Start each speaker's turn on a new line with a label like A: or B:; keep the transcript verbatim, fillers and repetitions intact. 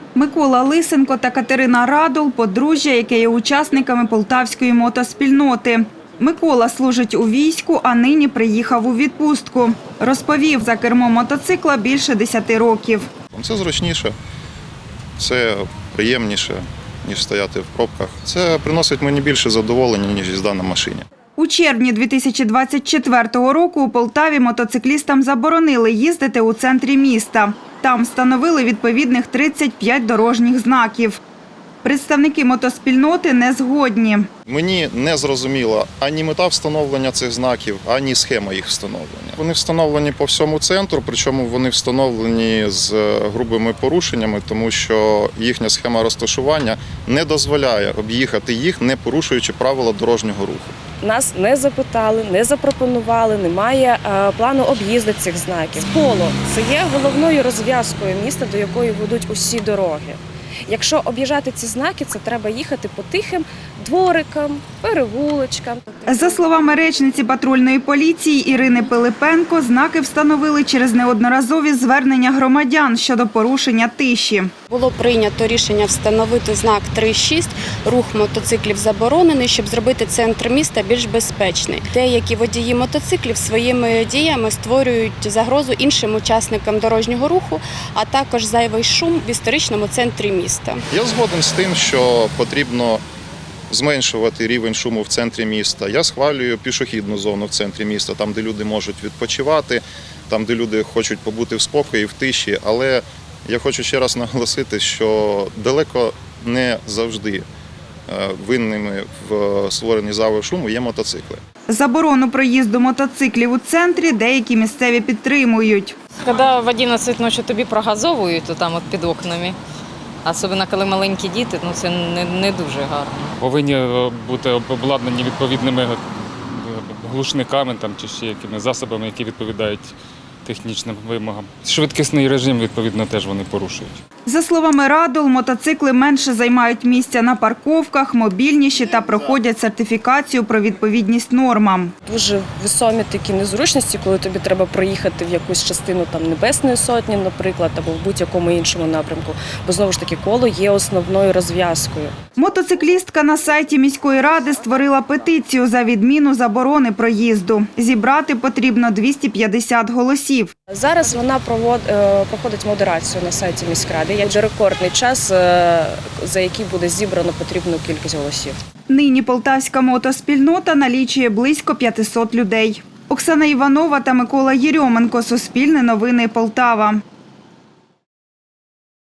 A: Микола Лисенко та Катерина Радул – подружжя, яке є учасниками полтавської мотоспільноти. Микола служить у війську, а нині приїхав у відпустку. Розповів, за кермом мотоцикла більше десяти років.
B: Це зручніше, це приємніше, ніж стояти в пробках. Це приносить мені більше задоволення, ніж їзда на машині.
A: У червні дві тисячі двадцять четвертого року у Полтаві мотоциклістам заборонили їздити у центрі міста. Там встановили відповідних тридцять п'ять дорожніх знаків. Представники мотоспільноти не згодні.
B: Мені не зрозуміла ані мета встановлення цих знаків, ані схема їх встановлення. Вони встановлені по всьому центру, причому вони встановлені з грубими порушеннями, тому що їхня схема розташування не дозволяє об'їхати їх, не порушуючи правила дорожнього руху.
C: Нас не запитали, не запропонували, немає е, плану об'їзду цих знаків. Поло – це є головною розв'язкою міста, до якої ведуть усі дороги. Якщо об'їжджати ці знаки, це треба їхати по тихим дворикам, перевулочкам.
A: За словами речниці патрульної поліції Ірини Пилипенко, знаки встановили через неодноразові звернення громадян щодо порушення тиші.
D: Було прийнято рішення встановити знак три шість, рух мотоциклів заборонений, щоб зробити центр міста більш безпечний. Деякі водії мотоциклів своїми діями створюють загрозу іншим учасникам дорожнього руху, а також зайвий шум в історичному центрі міста.
B: Я згоден з тим, що потрібно зменшувати рівень шуму в центрі міста. Я схвалюю пішохідну зону в центрі міста, там, де люди можуть відпочивати, там, де люди хочуть побути в спокої, в тиші. Але я хочу ще раз наголосити, що далеко не завжди винними в створенні зайвого шуму є мотоцикли.
A: Заборону проїзду мотоциклів у центрі деякі місцеві підтримують.
E: Коли в одинадцять ночі тобі прогазовують там от під окнами, особливо коли маленькі діти, ну це не, не дуже гарно.
F: Повинні бути обладнані відповідними глушниками там, чи ще якими засобами, які відповідають технічним вимогам. Швидкісний режим, відповідно, теж вони порушують.
A: За словами Радул, мотоцикли менше займають місця на парковках, мобільніші та проходять сертифікацію про відповідність нормам.
C: Дуже весомі такі незручності, коли тобі треба проїхати в якусь частину там Небесної Сотні, наприклад, або в будь-якому іншому напрямку, бо знову ж таки коло є основною розв'язкою. Мотоциклістка на сайті міської ради створила петицію за відміну заборони проїзду. Зібрати потрібно двісті п'ятдесят голосів. Зараз вона провод, проходить модерацію на сайті міськради. Є вже рекордний час, за який буде зібрано потрібну кількість голосів. Нині полтавська мотоспільнота налічує близько п'ятисот людей. Оксана Іванова та Микола Єрьоменко. Суспільне новини Полтава.